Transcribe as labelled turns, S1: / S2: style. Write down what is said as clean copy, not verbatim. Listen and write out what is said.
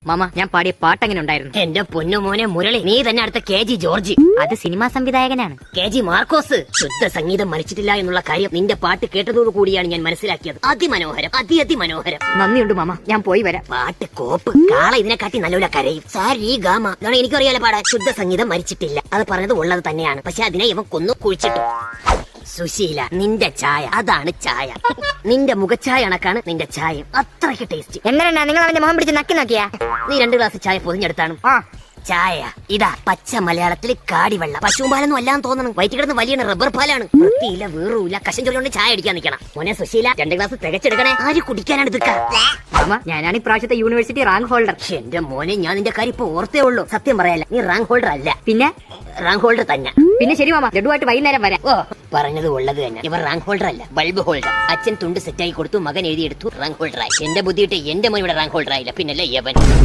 S1: Mama ഞാൻ പാടിയ പാട്ട് എങ്ങനെ ഉണ്ടായിരുന്നു?
S2: എന്റെ പൊന്നുമോനെ മുരളി, നീ തന്നെ അടുത്ത KG ജോർജ്.
S1: അത് സിനിമാ സംവിധായകനാണ്.
S2: KG മാർക്കോസ്. ശുദ്ധ സംഗീതം മരിച്ചിട്ടില്ല എന്നുള്ള കാര്യം നിന്റെ പാട്ട് കേട്ടതോടു കൂടിയാണ് ഞാൻ മനസ്സിലാക്കിയത്. അതിമനോഹരം, അതിമനോഹരം.
S1: നന്ദിയുണ്ട് മാമ, ഞാൻ പോയി വരാം.
S2: പാട്ട് കോപ്പ്. കാള ഇതിനെക്കാട്ടി നല്ലപോലെ കരയും. സാരി ഗാമ ഇതാണ് എനിക്കറിയാലോ പാടാൻ. ശുദ്ധ സംഗീതം മരിച്ചിട്ടില്ല, അത് പറഞ്ഞത് ഉള്ളത് തന്നെയാണ്. പക്ഷെ അതിനെ ഇവൻ കൊന്നു കുഴിച്ചിട്ടു. സുശീല, നിന്റെ ചായ അതാണ് ചായ. നിന്റെ മുഖച്ചായ കണക്കാണ് നിന്റെ ചായ. അത്രയ്ക്ക് ടേസ്റ്റ്.
S1: എങ്ങനെയാ നിങ്ങൾ അവന്റെ മുഖം പിടിച്ച് നക്കി നോക്കിയാ?
S2: നീ 2 ഗ്ലാസ് ചായ പൊതിഞ്ഞെടുത്താണ്. ചായ ഇതാ പച്ച മലയാളത്തിൽ കാടിവെള്ളം. പശുമ്പാലൊന്നും അല്ലാന്ന് തോന്നണം. വയറ്റി കിടന്ന് വലിയ റബ്ബർ പാലാണ്. വൃത്തിയില്ല, വീറുമില്ല. കശം ചൊല്ലുകൊണ്ട് ചായ അടിക്കാൻ നിൽക്കണം. മോനെ സുശീല, 2 ഗ്ലാസ് തികച്ചെടുക്കണേ. ആര് കുടിക്കാനാണ് ഇതൊക്കെ?
S1: മാമ, ഞാനാണ് ഇപ്രാവശ്യത്തെ യൂണിവേഴ്സിറ്റി റാങ്ക് ഹോൾഡർ.
S2: എന്റെ മോനെ, ഞാൻ നിന്റെ കാര്യം ഇപ്പൊ ഓർത്തേ ഉള്ളൂ. സത്യം പറയാല്ല, നീ റാങ്ക് ഹോൾഡർ അല്ല.
S1: പിന്നെ
S2: റാങ്ക് ഹോൾഡർ തന്നെ.
S1: പിന്നെ ശരി മാമ, ലഡുവായിട്ട് വൈകുന്നേരം വരാം.
S2: ഓ, പറഞ്ഞത് ഉള്ളത് തന്നെ. ഇവർ റാങ്ക് ഹോൾഡർ അല്ല, ബൾബ് ഹോൾഡർ. അച്ഛൻ തുണ്ട് സെറ്റായി കൊടുത്തു, മകൻ എഴുതിയെടുത്തു, റാങ്ക് ഹോൾഡർ ആയി. എന്റെ ബുദ്ധിയിട്ട് എന്റെ മോൻ ഇവിടെ റാങ്ക് ഹോൾഡർ ആയില്ല, പിന്നല്ലേ യവൻ.